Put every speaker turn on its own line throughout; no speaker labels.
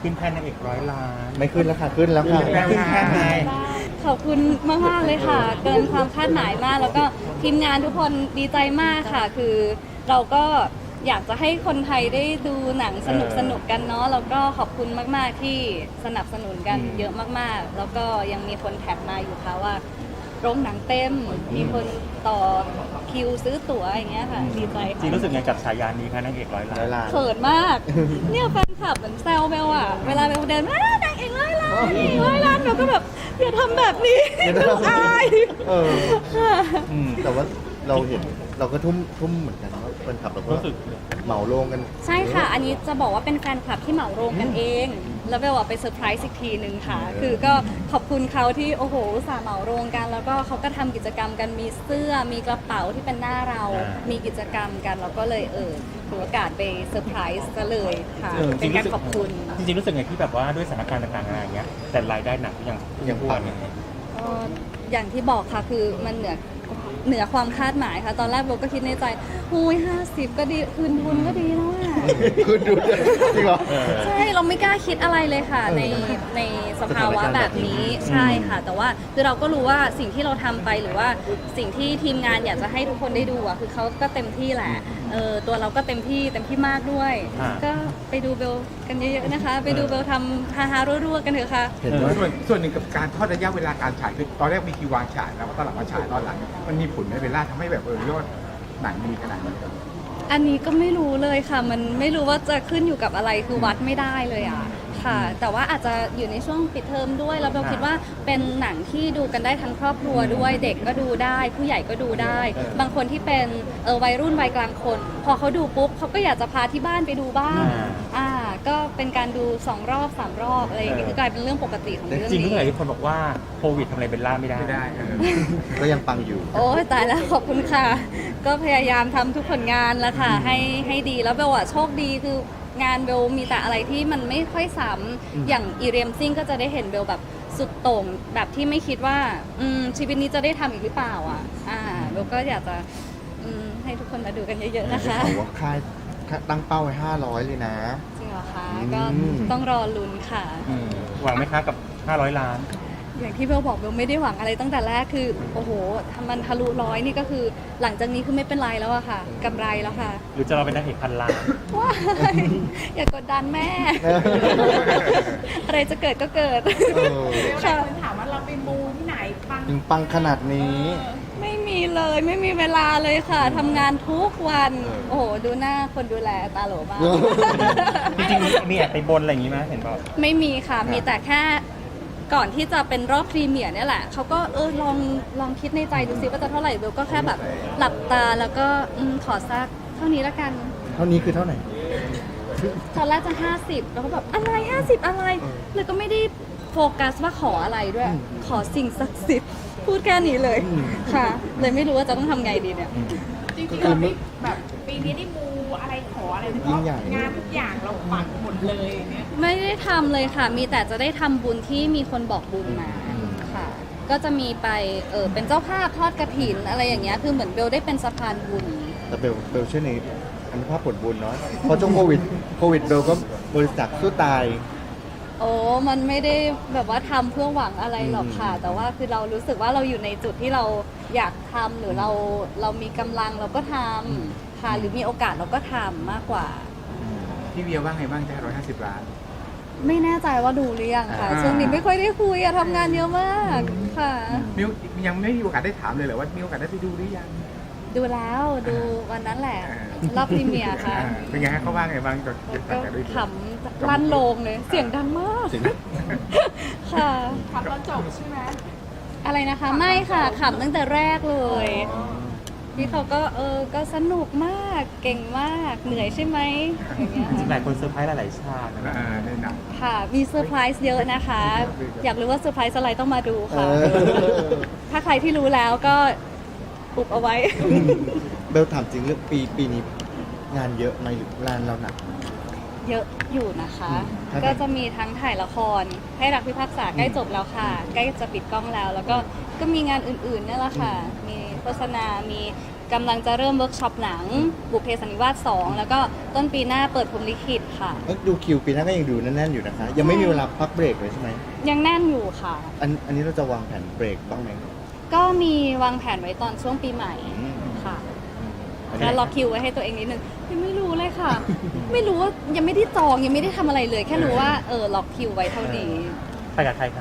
ขึ้นแท่นนางเอก100 ล้าน
ไม่ขึ้นแล้วค่ะขึ้นแล้วค่ะ
ขึ้นแท่นไง
ขอบคุณมากๆเลยค่ะ เกินความคาดหมายมาก แล้วก็ทีมงานทุกคนดีใจมากค่ะ คือเราก็อยากจะให้คนไทยได้ดูหนังสนุกกันเนาะแล้วก็ขอบคุณมากๆที่สนับสนุนกันเยอะมากๆ แล้วก็ยังมีคนแท็กมาอยู่ค่ะว่าโรงหนังเต็มมีคนต่อคิวซื้อตั๋วอย่างเงี้ยค่ะดีใจ
จริง
ค่ะ
รู้สึกไงกับฉายานี้คะนางเอก100 ล้าน
100 ล้าน
เขินมาก เนี่ยแฟนคลับเหมือนแซวเบลอะเวลาเบลเดินมานางเอก100 ล้านเบลก็แบบอย่าทำแบบนี้ดูอาย
เออ
ค่ะ
แต่ว่าเราเห็นเราก็ทุ่มเหมือนกันว่าเป็นขับเราก็
รู้สึก
เหมาโรงกัน
ใช่ค่ะ อันนี้จะบอกว่าเป็นแฟนคลับที่เหมาโรงกันเอง แล้วเบลอะไปเซอร์ไพรส์อีกทีนึงค่ะ คือก็ขอบคุณเขาที่โอ้โหอุตส่าห์เหมาโรงกัน แล้วก็เขาก็ทำกิจกรรมกันมีเสื้อมีกระเป๋าที่เป็นหน้าเรา มีกิจกรรมกันเราก็เลยถือโอกาสไปเซอร์ไพรส์ก็เลยค่ะ เป็นการขอบคุณ
จริงๆรู้สึกไงที่แบบว่าด้วยสถานการณ์ต่างๆอะไรอย่างเงี้ยแต่รายได้หนักยังพูดเนี่ย
อย่างที่บอกค่ะคือมันเหนือความคาดหมายค่ะ ตอนแรกโบก็คิดในใจอุ้ย50 ก็ดีคืนทุนก็ดีแล้วอ่ะ
คุณดูจริงเหรอ
ใช่เราไม่กล้าคิดอะไรเลยค่ะในสภาวะแบบนี้ใช่ค่ะ แต่ว่าคือเราก็รู้ว่าสิ่งที่เราทำไปหรือว่าสิ่งที่ทีมงานอยากจะให้ทุกคนได้ดูอ่ะคือเขาก็เต็มที่แหละตัวเราก็เต็มที่มากด้วย ก็ไปดูเบลกันเยอะๆนะคะ ไปดูเบลทำฮาๆรัวๆกันเถอะค่ะ
เห็นว่า
ส่วนหนึ่งกับการทอดระยะเวลาการฉายคือตอนแรกมีคิววางฉายแล้วตอนหลังมาฉายตอนหลังมันมีผลไหมเวลาทำให้แบบยอดหนังดีขนาดนี้ครับ
อันนี้ก็ไม่รู้เลยค่ะ มันไม่รู้ว่าจะขึ้นอยู่กับอะไรคือวัดไม่ได้เลยอ่ะค่ะ แต่ว่าอาจจะอยู่ในช่วงปิดเทอมด้วยแล้วเราคิดว่าเป็นหนังที่ดูกันได้ทั้งครอบครัวด้วยเด็กก็ดูได้ ผู้ใหญ่ก็ดูได้ บางคนที่เป็นวัยรุ่นวัยกลางคน พอเขาดูปุ๊บเขาก็อยากจะพาที่บ้านไปดูบ้างก็เป็นการดู2 รอบ 3 รอบอะไรอย่างเงี้ยคือกลายเป็นเรื่องปกติของ
แต่
เรื่อง
จริงๆรู้
นี้
สึกไงที่คนบอกว่าโควิดทำอะไรเบลล่าไม่ได้
ไม่ได้
ก็ยังปังอยู่
โอ้ยตายแล้วขอบคุณค่ะ ก็พยายามทำทุกผลงานแล้วค่ะให้ดีแล้วเบลอะโชคดีคืองานเบลมีแต่อะไรที่มันไม่ค่อยซ้ำอย่างอีเรียมซิ่งก็จะได้เห็นเบลแบบสุดโต่งแบบที่ไม่คิดว่าชีวิตนี้จะได้ทำอีกหรือเปล่าเบลก็อยากจะให้ทุกคนมาดูกันเยอะๆนะคะ
เขาว่าค่ายตั้งเป้าไว้500เลยนะ
จริงเหรอคะก็ต้องรอลุ้นค่ะ
หวังไหมคะกับ 500 ล้าน
อย่างที่เบลบอกเบลไม่ได้หวังอะไรตั้งแต่แรกคือโอ้โหทำมันทะลุ100นี่ก็คือหลังจากนี้คือไม่เป็นไรแล้วอะค่ะกำไรแล้วค่ะ
หรือจะเราเป็นนางเอก1,000 ล้าน
ว้ายอย่ากดดันแม่ อะไรจะเกิดก็เกิด
เออ
ค่ะ
ถามว่าเราไปมูที่ไหนปัง
ถึงปังขนาดนี้
ไม่มีเลยไม่มีเวลาเลยค่ะทำงานทุกวัน โอ้โห ดูหน้าคนดูแลตาโหลมาก
จริงๆมีแอบไปบนอะไรอย่างงี้ไหมเห็นบอก
ไม่มีค่ะ มีแต่แค่ก่อนที่จะเป็นรอบพรีเมียร์เนี่ยแหละเขาก็ลองคิดในใจดูซิว่าจะเท่าไหร่เบลก็แค่แบบหลับตาแล้วก็ขอสักเท่านี้ละกัน
เท่านี้คือเท่าไหร่
ตอนแรกจะ50แล้วก็แบบอะไร50อะไรเลยก็ไม่ได้โฟกัสว่าขออะไรด้วย ขอสิ่งศักดิ์สิทธิ์พูดแค่นี้เลยค่ะ เลยไม่รู้ว่าจะต้องทำไงดีเนี่ย
จริงๆเราไม่แบบปีนี้ได้มูอะไรขออะไรเพ
ยิ่
ราะ
งใหญ่
งานทุกอย่างเราปังหมดเลยเนี่ย
ไม่ได้ทำเลยค่ะ มีแต่จะได้ทำบุญที่มีคนบอกบุญมาค่ะ ก็จะมีไปเป็นเจ้าภาพทอดกระถินอะไรอย่างเงี้ยคือเหมือนเบลได้เป็นสะพานบุญ
แต่เบลเชื่อในอนุภาพผลบุญเนาะเพราะช่วงโควิดเบลก็บริจาคสู้ตาย
โอ้มันไม่ได้แบบว่าทำเพื่อหวังอะไรหรอกค่ะ แต่ว่าคือเรารู้สึกว่าเราอยู่ในจุดที่เราอยากทำหรือเรามีกำลังเราก็ทำค่ะหรือมีโอกาสเราก็ทำมากกว่า
พี่เวียว่าไงบ้างจะ150 ล้าน
ไม่แน่ใจว่าดูหรือยังค่ะ
อ่า
ช่วงนี้ไม่ค่อยได้คุยอะทำงานเยอะมากค่ะ
มิวยังไม่มีโอกาสได้ถามเลยเหรอว่ามีโอกาสได้ไปดูหรือยัง
ดูแล้วดูวันนั้นแหละรอบพรีเมียร์ค่ะ
เป็นไงฮะเขาว่าไงบ้างจน
ก็
จากได้ดู
ขำลั่นโลงเลยเสียงดังมากค่ะ
ทำตอนจบใช่ไหม
อะไรนะคะไม่ค่ะขำตั้งแต่แรกเลยพี่เขาก็ก็สนุกมากเก่งมากเหนื่อยใช่ไหมอย่างเงี้ย
จริงๆหลายคนเซอร์ไพรส์หลายๆฉากนะ
ในหนัง
ค่ะมีเซอร์ไพรส์เยอะนะคะ อยากรู้ว่าเซอร์ไพรส์อะไรต้องมาดูค่ะ ถ้าใครที่รู้แล้วก็อุบเอาไว้
เบลถามจริงเรื่องปีนี้งานเยอะไหมหรืองานเราหนัก
เยอะอยู่นะคะ
ครับ
ก็จะมีทั้งถ่ายละครให้รักพิพากษาใกล้จบแล้วค่ะ ใกล้จะปิดกล้องแล้ว แล้วก็มีงานอื่นๆเนี่ยแหละค่ะ มีโฆษณา มีกำลังจะเริ่มเวิร์กช็อปหนังบุพเพสันนิวาส2แล้วก็ต้นปีหน้าเปิดพรหมลิขิตค่ะ
แล้วดูคิวปีหน้าก็ยังดูแน่นๆอยู่นะคะ ยังไม่มีเวลาพักเบรกเลยใช่ไหม
ยังแน่นอยู่ค่ะ
อันนี้เราจะวางแผนเบรกบ้างไหม
ก็มีวางแผนไว้ตอนช่วงปีใหม่
อืม
ค่ะ
อัน
ก็
นี้
ล็อกคิวไว้ให้ตัวเองนิดนึงยังไม่รู้เลยค่ะ ไม่รู้ว่ายังไม่ได้จองยังไม่ได้ทำอะไรเลย แค่รู้ว่าล็อกคิวไว้เท่านี้
ไปกับใครครับ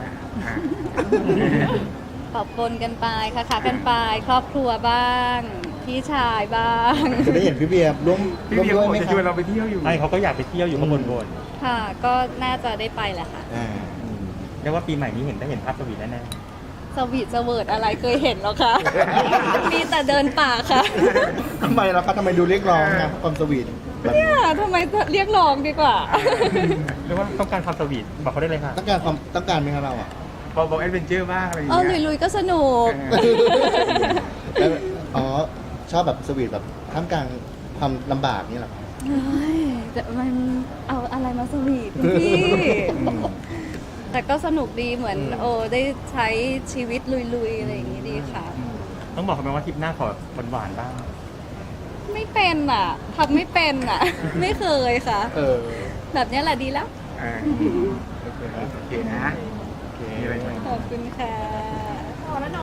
ปรับปนกันไปค่ะกันไป ครอบครัวบ้าง พี่ชายบ้าง
จะได้เห็นพี่เบียร์ร่วม
พี่
ร่วม
เบียร์
ด้วย
บอก
ไหม
จะ
ค
ชวน
รั
เรา
บ
ไปเที่ยวอยู่
ไอ้เขาก็อยากไปเที่ยวอยู่ข้างบน
ค่ะ ก็น่าจะได้ไปแหละค่ะ
อ่า
เรียกว่าปีใหม่นี้ได้เห็นภาพสวีทแน่
สวีทสเวิร์ดอะไรเคยเห็นแล้วคะ มีแต่เดินป่าค่ะ
ทำไมล่ะครับทำไมดูเรียกร้องนะความสวีทแบบนี้
เนี่ยทำไมเรียกร้องดีกว่า
ๆเรียกว่าต้องการความสวีทบอกเขาได้เลยค่ะ
ต้องการไหมครับเราอ่ะ
บอกแอดเวนเจอร์บ้างอะไรอย่าง
เออ
เงี้ย
ลุยๆก็สนุก
แล้วอ๋อชอบแบบสวีทแบบท่ามกลางความลำบากนี่เหรอครับ
เฮ้ยแต่มันเอาอะไรมาสวีทคุณพี่ แต่ก็สนุกดีเหมือนได้ใช้ชีวิตลุยๆอะไรอย่างนี้ดีค่ะ
ต้องบอกเขาไหมว่าทริปหน้าขอหวานๆบ้าง
ไม่เป็นอ่ะทำไม่เป็นอ่ะ ไม่เคยค่ะ
เออ
แบบนี้แหละดีแล้ว
โอเคนะ
โอเค
มีอะไรไหม
ขอบคุณค่ะ
พอแล้วเนาะ